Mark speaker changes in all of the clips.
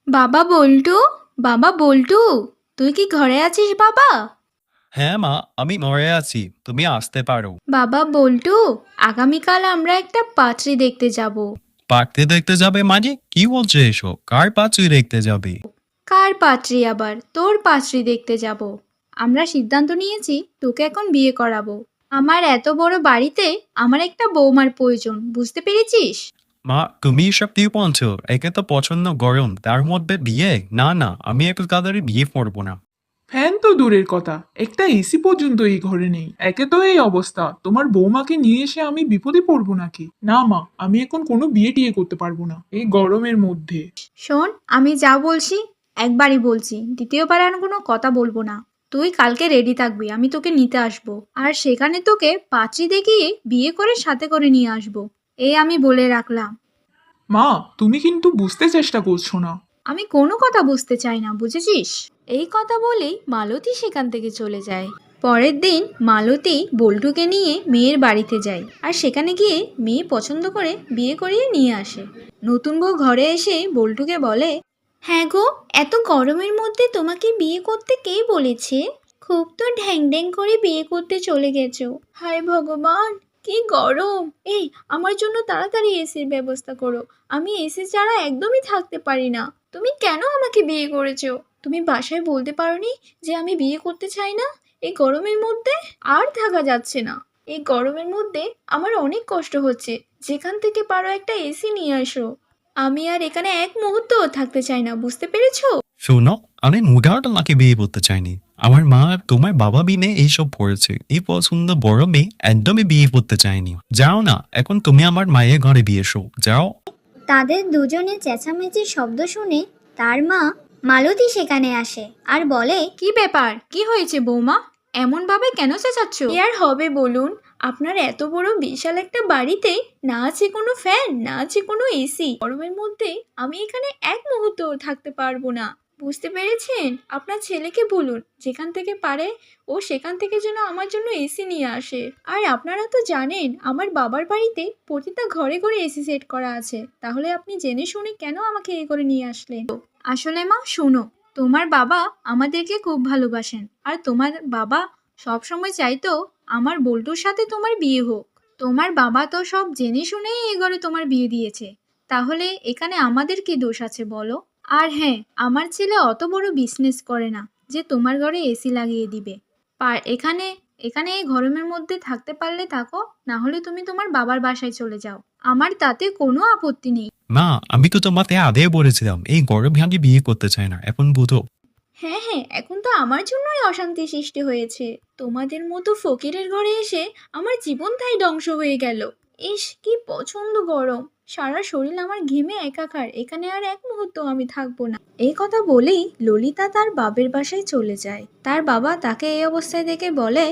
Speaker 1: বাবা বল্টু, বাবা বল্টু, তুই কি ঘরে আছিস বাবা?
Speaker 2: হ্যাঁ মা, আমি মরে আছি, তুমি আসতে পারো।
Speaker 1: বাবা বল্টু, আগামীকাল আমরা একটা পাত্রী দেখতে যাব।
Speaker 2: পাখতে দেখতে যাবে মানে কি বলছো এসব? কার পাচুই দেখতে যাবে?
Speaker 1: কার পাত্রী আবার? তোর পাত্রী দেখতে যাব। আমরা সিদ্ধান্ত নিয়েছি তোকে এখন বিয়ে করাবো। আমার এত বড় বাড়িতে আমার একটা বৌমার প্রয়োজন, বুঝতে পেরেছিস?
Speaker 2: মা, তুমি এসব কি বলছো? একে তো পছন্দ গরম, তার মধ্যে বিয়ে? না না, আমি একটু তাড়াতাড়ি বিয়ে করবো না।
Speaker 3: ফ্যান তো দূরের কথা, একটা এসি পর্যন্ত এই ঘরে নেই। একে তো এই অবস্থা, তোমার বৌমাকে নিয়ে এসে আমি বিপদে পড়বো নাকি? না মা, আমি এখন কোনো বিয়ে টিয়ে করতে পারবো না এই গরমের মধ্যে।
Speaker 1: শোন, আমি যা বলছি একবারই বলছি, দ্বিতীয়বার আর কোনো কথা বলবো না। তুই কালকে রেডি থাকবি, আমি তোকে নিতে আসবো। আর সেখানে তোকে পাত্রী দেখিয়ে বিয়ে করে সাথে করে নিয়ে আসবো। এই আমি বলে রাখলাম।
Speaker 3: মা, তুমি কিন্তু বুঝতে চেষ্টা করছো না।
Speaker 1: আমি কোনো কথা বুঝতে চাই না, বুঝেছিস? এই কথা বলেই মালতী সেখান থেকে চলে যায়। পরের দিন মালতী বল্টুকে নিয়ে মেয়ের বাড়িতে যায় আর সেখানে গিয়ে মেয়ে পছন্দ করে বিয়ে করিয়ে নিয়ে আসে। নতুন বউ ঘরে এসে বল্টুকে বলে, হ্যাঁ গো, এত গরমের মধ্যে তোমাকে বিয়ে করতে কে বলেছে? খুব তো ঢ্যাং ঢ্যাং করে বিয়ে করতে চলে গেছো। হায় ভগবান, কি গরম! এই, আমার জন্য তাড়াতাড়ি এসির ব্যবস্থা করো। আমি এসি ছাড়া একদমই থাকতে পারি না। তুমি কেন আমাকে বিয়ে করেছো? তুমি বাসায় বলতে পারোনি যে আমি বিয়ে করতে চাই না? এই গরমের মধ্যে আর থাকা যাচ্ছে না। এই গরমের মধ্যে আমার অনেক কষ্ট হচ্ছে। যেখান থেকে পারো একটা এসি নিয়ে আসো। আমি আর এখানে এক মুহূর্তও থাকতে চাই না, বুঝতে পেরেছো?
Speaker 2: শোনো, আমি মুগাটা নাকি বিয়ে করতে চাইনি। আমার মা আর তোমার বাবা বিনে এইসব পড়েছে, এই পছন্দ বড় মেয়ে একদমই বিয়ে করতে চাইনি। যাও না, এখন তুমি আমার মায়ের ঘরে বিয়ে শো, যাও।
Speaker 4: তাদের দুজনের চেঁচামেচির শব্দ শুনে তার মা মালতী সেখানে আসে আর বলে,
Speaker 1: কি ব্যাপার? কি হয়েছে বৌমা? এমন ভাবে কেন চেঁচাচ্ছ? কি আর হবে বলুন? আপনার এত বড় বিশাল একটা বাড়িতে না আছে কোনো ফ্যান, না আছে কোনো এসি। গরমের মধ্যে আমি এখানে এক মুহূর্তও থাকতে পারবো না। বুঝতে পেরেছেন? আপনার ছেলেকে বলুন যেখান থেকে পারে ও সেখান থেকে যেন আমার জন্য এসি নিয়ে আসে। আর আপনারা তো জানেন আমার বাবার বাড়িতে প্রতিটা ঘরে ঘরে এসি সেট করা আছে। তাহলে আপনি জেনে শুনে কেন আমাকে এ করে নিয়ে আসলেন? আসলে মা শোনো, তোমার বাবা আমাদেরকে খুব ভালোবাসেন আর তোমার বাবা সব সময় চাইতো আমার বল্টুর সাথে তোমার বিয়ে হোক। তোমার বাবা তো সব জেনে শুনেই এ ঘরে তোমার বিয়ে দিয়েছে। তাহলে এখানে আমাদের কি দোষ আছে বলো? আর হ্যাঁ, আমার ছেলে অত বড় বিজনেস করে না যে তোমার ঘরে এসি লাগিয়ে দিবে। এখানে এখানে এই গরমের মধ্যে থাকতে পারলে থাকো, না হলে তুমি তোমার বাবার বাসায় চলে যাও। আমার তাতে কোনো আপত্তি নেই।
Speaker 2: মা, আমি তো তোমাকে আগে বলেছিলাম এই গরমে আমি বিয়ে করতে চাই না, এখন বুঝো।
Speaker 1: হ্যাঁ হ্যাঁ, এখন তো আমার জন্যই অশান্তি সৃষ্টি হয়েছে। তোমাদের মতো ফকিরের ঘরে এসে আমার জীবনটাই ধ্বংস হয়ে গেল। ইস, কি পছন্দ গরম! সারা শরীর আমার ঘেমে একাকার। এখানে আর এক মুহূর্ত আমি থাকবো না। এই কথা বলেই ললিতা তার বাবের বাসায় চলে যায়। তার বাবা তাকে এই অবস্থায় দেখে বলে,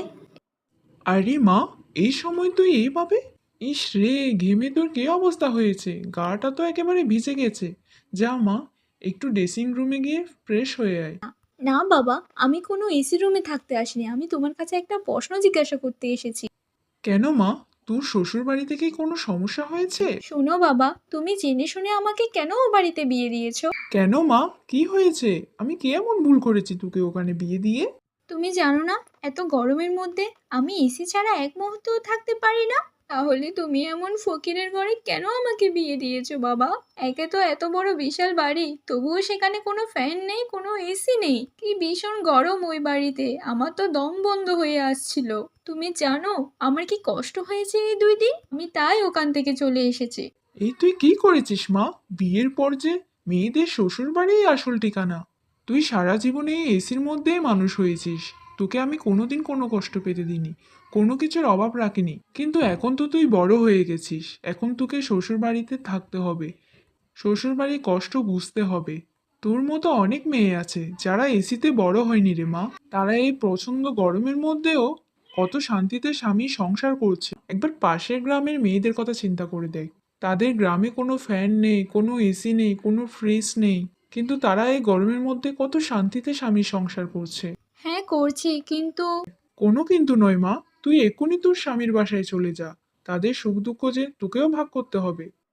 Speaker 3: আরে মা, এই সময় তুই এইভাবে? ইস রে, ঘেমে তোর কি অবস্থা হয়েছে? গাটা তো একেবারে ভিজে গেছে। যা মা, একটু ড্রেসিং রুমে গিয়ে ফ্রেশ হয়ে আয়।
Speaker 1: না বাবা, আমি কোনো এসি রুমে থাকতে আসিনি। আমি তোমার কাছে একটা প্রশ্ন জিজ্ঞাসা করতে এসেছি।
Speaker 3: কেন মা, তোর শ্বশুর বাড়ি থেকে কোনো সমস্যা হয়েছে?
Speaker 1: শোনো বাবা, তুমি জেনে শুনে আমাকে কেন ও বাড়িতে বিয়ে দিয়েছো?
Speaker 3: কেন মা, কি হয়েছে? আমি কি এমন ভুল করেছি তোকে ওখানে বিয়ে দিয়ে?
Speaker 1: তুমি জানো না এত গরমের মধ্যে আমি এসি ছাড়া এক মুহূর্তও থাকতে পারি না? তাহলে তুমি এমন ফকিরের ঘরে কেন আমাকে বিয়ে দিয়েছো বাবা? একে তো এত বড় বিশাল বাড়ি, তবুও সেখানে কোনো ফ্যান নেই, কোনো এসি নেই। কি ভীষণ গরম ওই বাড়িতে, আমার তো দম বন্ধ হয়ে আসছিল। তুমি জানো আমার কি কষ্ট হয়েছে এই 2 দিন? আমি তাই ওখান থেকে চলে এসেছি।
Speaker 3: এই তুই কি করেছিস মা? বিয়ের পর যে মেয়েদের শ্বশুর বাড়িই আসল ঠিকানা। তুই সারা জীবনে এই এসির মধ্যেই মানুষ হয়েছিস। তোকে আমি কোনোদিন কোনো কষ্ট পেতে দিইনি, কোনো কিছুর অভাব রাখিনি। কিন্তু এখন তো তুই বড় হয়ে গেছিস, এখন তোকে শ্বশুর বাড়িতে থাকতে হবে, শ্বশুর বাড়ির কষ্ট বুঝতে হবে। তোর মতো অনেক মেয়ে আছে যারা এসিতে বড় হয়নি রে মা। তারা এই প্রচন্ড গরমের মধ্যেও কত শান্তিতে স্বামী সংসার করছে। একবার পাশের গ্রামের মেয়েদের কথা চিন্তা করে দেখ। তাদের গ্রামে কোনো ফ্যান নেই, কোনো এসি নেই, কোনো ফ্রিজ নেই, কিন্তু তারা এই গরমের মধ্যে কত শান্তিতে স্বামী সংসার করছে।
Speaker 1: হ্যাঁ করছি, কিন্তু
Speaker 3: কোনো কিন্তু নয় মা, তুই এক্ষুনি তোর স্বামীর বাসায় চলে যা। তাদের সুখ দুঃখ যে তোকেও ভাগ করতে হবে।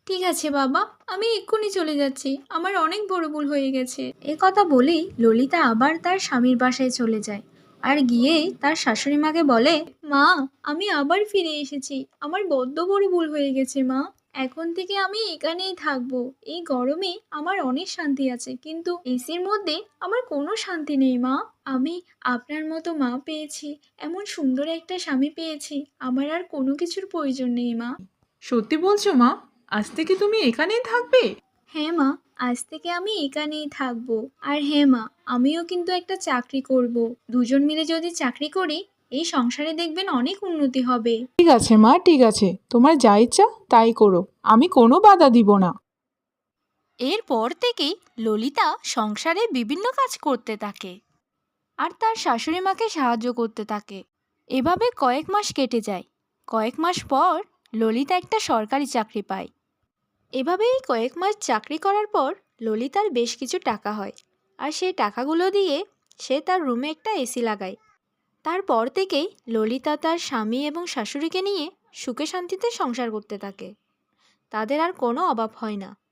Speaker 1: ঠিক আছে বাবা, আমি এক্ষুনি চলে যাচ্ছি, আমার অনেক বড় ভুল হয়ে গেছে। এ কথা বলেই ললিতা আবার তার স্বামীর বাসায় চলে যায় আর গিয়েই তার শাশুড়ি মাকে বলে, মা, আমি আবার ফিরে এসেছি, আমার বড্ড বড় ভুল হয়ে গেছে মা। এখন থেকে আমি এখানেই থাকবো। এই গরমে আমার অনেক শান্তি আছে, কিন্তু এসির মধ্যে আমার কোনো শান্তি নেই মা। আমি আপনার মতো মা পেয়েছি, এমন সুন্দর একটা স্বামী পেয়েছি, আমার আর কোনো কিছুর প্রয়োজন নেই মা।
Speaker 5: সত্যি বলছো মা? আজ থেকে তুমি এখানেই থাকবে?
Speaker 1: হ্যাঁ মা, আজ থেকে আমি এখানেই থাকবো। আর হ্যাঁ মা, আমিও কিন্তু একটা চাকরি করব। দুজন মিলে যদি চাকরি করি, এই সংসারে দেখবেন অনেক উন্নতি হবে।
Speaker 5: ঠিক আছে মা, ঠিক আছে, তোমার যা ইচ্ছা তাই করো, আমি কোনো বাধা দিব না।
Speaker 1: এরপর থেকেই ললিতা সংসারে বিভিন্ন কাজ করতে থাকে আর তার শাশুড়ি মাকে সাহায্য করতে থাকে। এভাবে কয়েক মাস কেটে যায়। কয়েক মাস পর ললিতা একটা সরকারি চাকরি পায়। এভাবেই কয়েক মাস চাকরি করার পর ললিতার বেশ কিছু টাকা হয়, আর সেই টাকাগুলো দিয়ে সে তার রুমে একটা এসি লাগায়। তারপর থেকেই ললিতা তার স্বামী এবং শাশুড়িকে নিয়ে সুখে শান্তিতে সংসার করতে থাকে। তাদের আর কোনো অভাব হয় না।